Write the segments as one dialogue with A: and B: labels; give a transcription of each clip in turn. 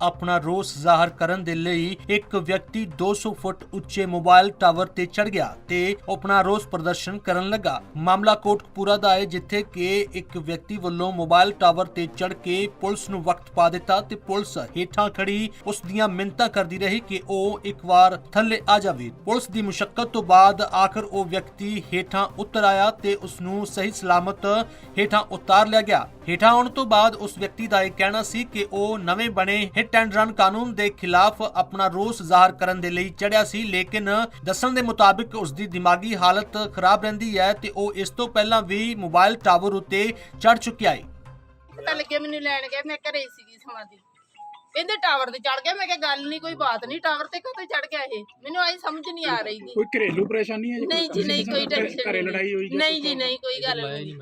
A: अपना रोस ਜ਼ਾਹਰ ਕਰਨ ਦੇ ਲਈ ਇੱਕ ਵਿਅਕਤੀ 200 ਫੁੱਟ ਉੱਚੇ ਮੋਬਾਈਲ ਟਾਵਰ ਤੇ ਚੜ ਗਿਆ ਤੇ ਆਪਣਾ ਰੋਸ ਪ੍ਰਦਰਸ਼ਨ ਕਰਨ ਲੱਗਾ। ਮਾਮਲਾ ਕੋਟਕਪੂਰਾ ਦਾ ਹੈ, ਜਿੱਥੇ ਕਿ ਇੱਕ ਵਿਅਕਤੀ ਵੱਲੋਂ ਮੋਬਾਈਲ ਟਾਵਰ ਤੇ ਚੜ ਕੇ ਪੁਲਿਸ ਨੂੰ ਵਕਤ ਪਾ ਦਿੱਤਾ ਤੇ ਪੁਲਿਸ ਹੇਠਾਂ ਖੜੀ ਉਸ ਦੀਆਂ ਮਿੰਨਤਾਂ ਕਰਦੀ ਰਹੀ ਕਿ ਉਹ ਇੱਕ ਵਾਰ ਥੱਲੇ ਆ ਜਾਵੇ। ਪੁਲਿਸ ਦੀ ਮੁਸ਼ੱਕਤ ਤੋਂ ਬਾਅਦ ਆਖਰ ਉਹ ਵਿਅਕਤੀ ਹੇਠਾਂ ਉਤਰ ਆਇਆ ਤੇ ਉਸ ਨੂੰ ਸਹੀ ਸਲਾਮਤ ਹੇਠਾਂ ਉਤਾਰ ਲਿਆ ਗਿਆ। ਹੇਠਾਂ ਆਉਣ ਤੋਂ ਬਾਅਦ ਉਸ ਵਿਅਕਤੀ ਦਾ ਇਹ ਕਹਿਣਾ ਸੀ ਕਿ ਉਹ ਨਵੇਂ ਬਣੇ ਹਿੱਟ ਐਂਡ ਰਨ ਕਾਨੂੰਨ ਦੇ ਖਿਲਾਫ ਆਪਣਾ ਰੋਸ ਜ਼ਾਹਰ ਕਰਨ ਦੇ ਲਈ ਚੜਿਆ ਸੀ, ਲੇਕਿਨ ਦੱਸਣ ਦੇ ਮੁਤਾਬਿਕ ਉਸ ਦੀ ਦਿਮਾਗੀ ਹਾਲਤ ਖਰਾਬ ਰਹਿੰਦੀ ਹੈ ਤੇ ਉਹ ਇਸ ਤੋਂ ਪਹਿਲਾਂ ਵੀ ਮੋਬਾਈਲ ਟਾਵਰ ਉੱਤੇ ਚੜ ਚੁੱਕਿਆ ਹੈ।
B: ਪਤਾ ਲੱਗਿਆ ਮੈਨੂੰ ਲੈਣ ਗਏ, ਮੈਂ ਘਰੇ ਸੀਗੀ ਸਮਾਧੀ, ਕਹਿੰਦੇ ਟਾਵਰ ਤੇ ਚੜ ਗਿਆ। ਮੈਂ ਕਿਹਾ ਗੱਲ ਨਹੀਂ, ਕੋਈ ਬਾਤ ਨਹੀਂ, ਟਾਵਰ ਤੇ ਕਦੋਂ ਚੜ ਗਿਆ ਇਹ ਮੈਨੂੰ ਆਈ ਸਮਝ ਨਹੀਂ ਆ ਰਹੀ।
C: ਕੋਈ ਘਰੇਲੂ ਪਰੇਸ਼ਾਨੀ ਹੈ ਜੀ?
B: ਨਹੀਂ ਜੀ ਨਹੀਂ, ਕੋਈ ਟੈਨਸ਼ਨ
C: ਘਰੇ ਲੜਾਈ ਹੋਈ?
B: ਨਹੀਂ ਜੀ ਨਹੀਂ, ਕੋਈ ਗੱਲ ਨਹੀਂ।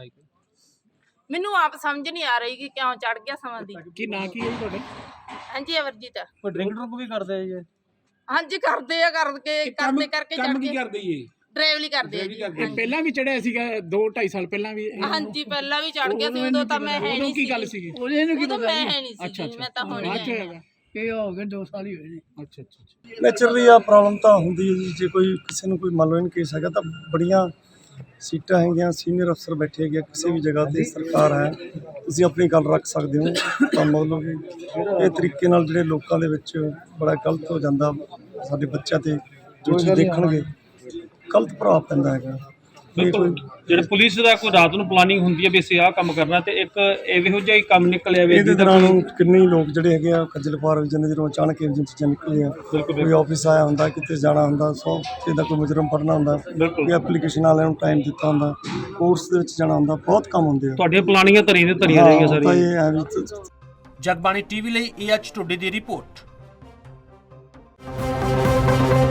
B: ਮੈਨੂੰ ਆਪ ਸਮਝ ਨਹੀਂ ਆ ਰਹੀ ਕਿ ਕਿਉਂ ਚੜ ਗਿਆ ਸਮਾਧੀ।
C: ਕੀ ਨਾਂ ਕੀ ਹੈ ਜੀ ਤੁਹਾਡਾ?
B: ਹਾਂਜੀ ਅਵਰਜੀਤ।
D: ਕੋਈ ਡਰਿੰਕ ਡਰੁੰਕ ਵੀ ਕਰਦੇ ਆ ਜੀ?
B: ਹਾਂਜੀ ਕਰਦੇ ਆ, ਕਰਕੇ ਚੜ
C: ਕੰਮ ਕੀ
B: ਕੇ
C: ਕਰਦੇ ਜੀ?
B: ਡਰਾਈਵਲੀ ਕਰਦੇ ਆ ਜੀ।
C: ਪਹਿਲਾਂ ਵੀ ਚੜਿਆ ਸੀਗਾ 2-2.5 ਸਾਲ ਪਹਿਲਾਂ ਵੀ?
B: ਹਾਂਜੀ ਪਹਿਲਾਂ ਵੀ ਚੜ ਗਿਆ ਸੀ, ਉਦੋਂ ਤਾਂ ਮੈਂ ਹੈ ਨਹੀਂ।
C: ਕੀ ਗੱਲ ਸੀਗੀ?
B: ਉਦੋਂ ਮੈਂ ਹੈ ਨਹੀਂ ਸੀ, ਮੈਂ ਤਾਂ ਹੁਣ
C: ਬਾਅਦ ਚ
B: ਹੀ
C: ਹੋਇਆ?
E: ਇਹ ਹੋ ਗਏ 2 ਸਾਲ ਹੀ ਹੋਏ ਨੇ।
C: ਅੱਛਾ ਅੱਛਾ।
F: ਨੈਚੁਰਲੀ ਆ ਪ੍ਰੋਬਲਮ ਤਾਂ ਹੁੰਦੀ ਹੈ ਜੀ। ਜੇ ਕੋਈ ਕਿਸੇ ਨੂੰ ਕੋਈ ਮੰਨ ਲਓ ਇਨ ਕੇਸ ਹੈਗਾ ਤਾਂ ਬੜੀਆਂ ਸੀਟਾਂ ਹੈਗੀਆਂ, ਸੀਨੀਅਰ ਅਫਸਰ ਬੈਠੇ ਹੈਗੇ, ਕਿਸੇ ਵੀ ਜਗ੍ਹਾ ਤੇ ਸਰਕਾਰ ਹੈ, ਤੁਸੀਂ ਆਪਣੀ ਗੱਲ ਰੱਖ ਸਕਦੇ ਹੋ। ਤਾਂ ਮਤਲਬ ਕਿ ਇਹ ਤਰੀਕੇ ਨਾਲ ਜਿਹੜੇ ਲੋਕਾਂ ਦੇ ਵਿੱਚ ਬੜਾ ਗਲਤ ਹੋ ਜਾਂਦਾ, ਸਾਡੇ ਬੱਚਿਆਂ ਤੇ ਜੋ ਚੀਜ਼ ਦੇਖਣਗੇ ਗਲਤ ਪ੍ਰਭਾਵ ਪੈਂਦਾ ਹੈਗਾ।
D: ਜਿਹੜੇ ਪੁਲਿਸ ਦਾ ਕੋਈ ਰਾਤ ਨੂੰ ਪਲਾਨਿੰਗ ਹੁੰਦੀ ਹੈ ਵੀ ਅਸੀਂ ਆਹ ਕੰਮ ਕਰਨਾ, ਤੇ ਇੱਕ ਇਹੋ ਜਿਹਾ ਹੀ ਕੰਮ ਨਿਕਲਿਆ ਵੀ
F: ਇਹਦੇ ਦੌਰਾਨ ਕਿੰਨੇ ਹੀ ਲੋਕ ਜਿਹੜੇ ਹੈਗੇ ਆ ਖੱਜਲ ਖੁਆਰ ਹੋ ਜਾਂਦੇ ਜਦੋਂ ਅਚਾਨਕ ਇਹ ਚੀਜ਼ਾਂ ਨਿਕਲੀਆਂ। ਕੋਈ ਆਫਿਸ ਆਇਆ ਹੁੰਦਾ, ਕਿਤੇ ਜਾਣਾ ਹੁੰਦਾ, 100 ਦਾ ਕੋਈ ਮੁਜਰਮ ਪੜ੍ਹਨਾ ਹੁੰਦਾ, ਕੋਈ ਐਪਲੀਕੇਸ਼ਨ ਵਾਲਿਆਂ ਨੂੰ ਟਾਈਮ ਦਿੱਤਾ ਹੁੰਦਾ, ਕੋਰਸ ਦੇ ਵਿੱਚ ਜਾਣਾ ਹੁੰਦਾ, ਬਹੁਤ ਕੰਮ ਹੁੰਦੇ ਆ।
D: ਤੁਹਾਡੀਆਂ ਪਲਾਨਿੰਗਾਂ ਧਰੀਆਂ ਰਹੀਆਂ
F: ਤਾਂ
D: ਸਾਰੀਆਂ।
F: ਇਹ ਹੈ ਵੀ
A: ਜਗਬਾਣੀ ਟੀਵੀ ਲਈ AH ਟੋਡੇ ਦੀ ਰਿਪੋਰਟ।